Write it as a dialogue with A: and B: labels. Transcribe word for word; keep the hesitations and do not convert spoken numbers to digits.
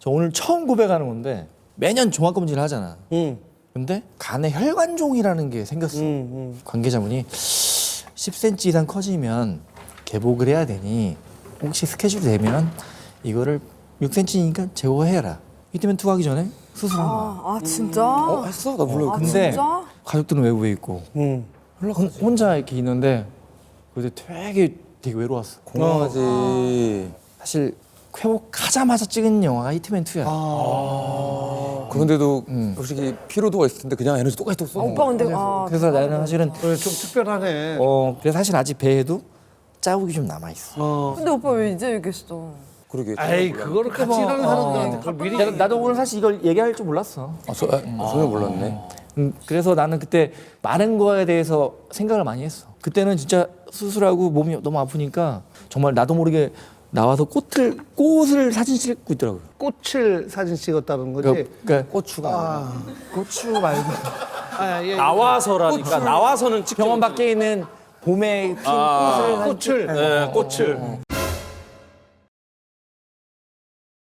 A: 저 오늘 처음 고백하는 건데 매년 종합검진을 하잖아.
B: 응.
A: 근데 간에 혈관종이라는 게 생겼어.
B: 응, 응.
A: 관계자분이 십 센티미터 이상 커지면 개복을 해야 되니 혹시 스케줄이 되면 이거를 육 센티미터니까 제거해라. 이때면 투하기 전에 수술한 거야.
C: 아, 아 진짜?
B: 어, 했어? 나 몰라.
C: 아,
A: 근데
C: 진짜?
A: 가족들은 외부에 있고
B: 응.
A: 혼- 혼자 이렇게 있는데 그때 되게 되게 외로웠어.
B: 공허하지.
A: 사실 회복하자마자 찍은 영화가 히트맨 투야.
B: 아. 그런데도
A: 음.
B: 솔직히 피로도가 있을 텐데 그냥 에너지 똑같이 또
C: 아,
B: 쏘는
C: 오빠
B: 거야.
C: 근데 아,
A: 그래서 나는 사실은
D: 그래, 좀 특별하네.
A: 어 그래서 사실 아직 배에도 자국이 좀 남아 있어.
B: 어.
C: 근데 오빠 왜 이제 얘기했어?
B: 그러게.
D: 에이, 그거를 같이 일하는 사람들한테 그걸 미리.
A: 나도, 나도 오늘 사실 이걸 얘기할 줄 몰랐어.
B: 아, 저, 아, 전혀 몰랐네.
A: 음, 그래서 나는 그때 많은 거에 대해서 생각을 많이 했어. 그때는 진짜 수술하고 몸이 너무 아프니까 정말 나도 모르게 나와서 꽃을 꽃을 사진 찍고 있더라고요.
D: 꽃을 사진 찍었다는 거지.
A: 그러니까, 그러니까
B: 고추가.
D: 아,
A: 고추 말고
D: 아, 예.
E: 나와서라니까 나와서는 찍
A: 병원 밖에 있는 봄에 핀
E: 아,
A: 꽃을 사진
D: 꽃을.
E: 네, 꽃을